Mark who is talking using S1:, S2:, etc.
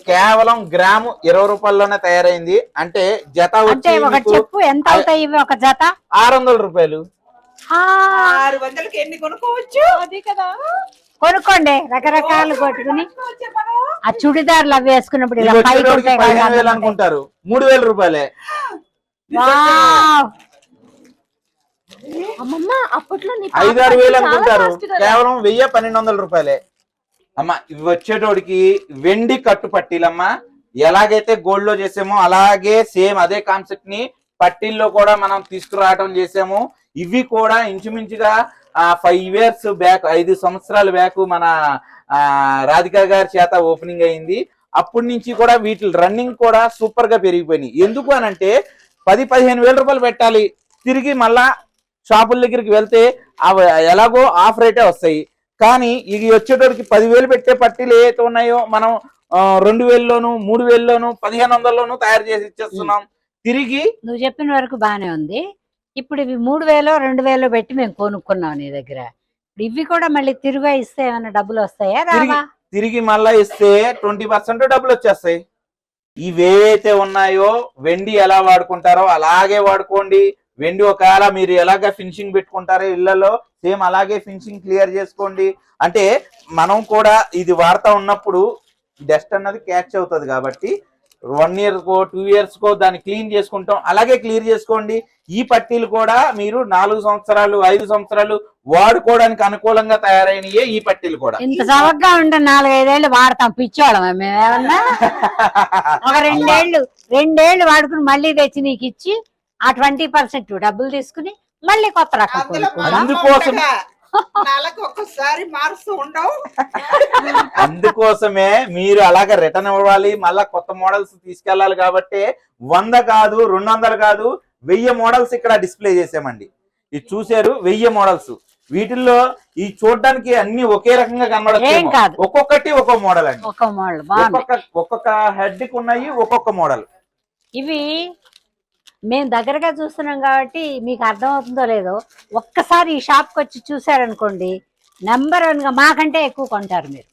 S1: కేవలం గ్రాము 20 రూపాయల్లోనే తయారైంది. అంటే జత వచ్చి
S2: చెప్పు ఎంత అవుతాయి ఒక జత?
S1: 600 రూపాయలు.
S3: 600కి ఎన్ని కొనుక్కోవచ్చు? అది కదా,
S2: కొనుక్కోండి రకరకాలు కొట్టుకుని. ఆ చుడిదార్లు అవి వేసుకున్నప్పుడు
S1: 15,000 అనుకుంటారు, 3,000 రూపాయలే.
S3: అప్పట్లో
S1: 5-6 వేలు అనుకుంటారు, కేవలం 1000-1200 రూపాయలే. అమ్మా ఇవి వచ్చేటోడికి వెండి కట్టు పట్టీలమ్మా. ఎలాగైతే గోల్డ్ లో చేసామో అలాగే సేమ్ అదే కాన్సెప్ట్ ని పట్టీల్లో కూడా మనం తీసుకురావడం చేసాము. ఇవి కూడా ఇంచుమించుగా 5 years బ్యాక్, 5 సంవత్సరాల బ్యాక్ మన రాధిక గారి చేత ఓపెనింగ్ అయింది. అప్పటి నుంచి కూడా వీటి రన్నింగ్ కూడా సూపర్ గా పెరిగిపోయినాయి. ఎందుకు అనంటే 10-15 వేల రూపాయలు పెట్టాలి, తిరిగి మళ్ళా షాపుల దగ్గరికి వెళ్తే అవి ఎలాగో ఆఫ్ రేటే వస్తాయి. కానీ ఇది వచ్చేటోడికి 10,000 పెట్టే పట్టీలు ఏవైతే ఉన్నాయో మనం 2,000లోను 3,000లోను 1,500లోను తయారు చేసి ఇచ్చేస్తున్నాం. తిరిగి
S2: నువ్వు చెప్పిన వరకు బానే ఉంది. ఇప్పుడు ఇవి 3,000-2,000 పెట్టి మేము కొనుక్కున్నాం నీ దగ్గర. ఇవి కూడా మళ్ళీ తిరిగి ఇస్తే ఏమైనా డబ్బులు వస్తాయా?
S1: తిరిగి మళ్ళా ఇస్తే 20% డబ్బులు వచ్చేస్తాయి. ఇవేవైతే ఉన్నాయో వెండి ఎలా వాడుకుంటారో అలాగే వాడుకోండి. వెండి ఒకవేళ మీరు ఎలాగ ఫినిషింగ్ పెట్టుకుంటారో ఇళ్లలో సేమ్ అలాగే ఫినిషింగ్ క్లియర్ చేసుకోండి. అంటే మనం కూడా ఇది వాడుతూ ఉన్నప్పుడు డస్ట్ అన్నది క్యాచ్ అవుతుంది కాబట్టి 1 year కో 2 years కో దాన్ని క్లీన్ చేసుకుంటాం, అలాగే క్లియర్ చేసుకోండి. ఈ పట్టీలు కూడా మీరు 4 సంవత్సరాలు 5 సంవత్సరాలు వాడుకోవడానికి అనుకూలంగా తయారైనయే ఈ పట్టీలు కూడా.
S2: ఇంత చవకగా ఉంటే 4-5 ఏళ్ళు వాడతాం పిచ్చోళ్ళం మేమేమన్నా. ఒక 2 ఏళ్ళు వాడుకుని మళ్ళీ తెచ్చి నీకు ఇచ్చి ఆ 20% డబ్బులు తీసుకుని మళ్ళీ కొత్త రకం.
S1: అందుకోసమే మీరు అలాగే రిటర్న్ ఇవ్వాలి, మళ్ళా కొత్త మోడల్స్ తీసుకెళ్లాలి. కాబట్టి 100 కాదు 200 కాదు 1000 మోడల్స్ ఇక్కడ డిస్ప్లే చేసామండి. ఇది చూసారు 1000 మోడల్స్. వీటిల్లో ఈ చూడడానికి అన్ని ఒకే రకంగా కనబడతాయి, ఒక్కొక్కటి ఒక్కో మోడల్ అండి. ఒక్కొక్క హెడ్ కి ఉన్నాయి ఒక్కొక్క మోడల్.
S2: ఇవి మేము దగ్గరగా చూస్తున్నాం కాబట్టి మీకు అర్థమవుతుందో లేదో, ఒక్కసారి ఈ షాప్కి వచ్చి చూసారనుకోండి, నెంబర్ 1గా మాకంటే ఎక్కువ కొంటారు మీరు.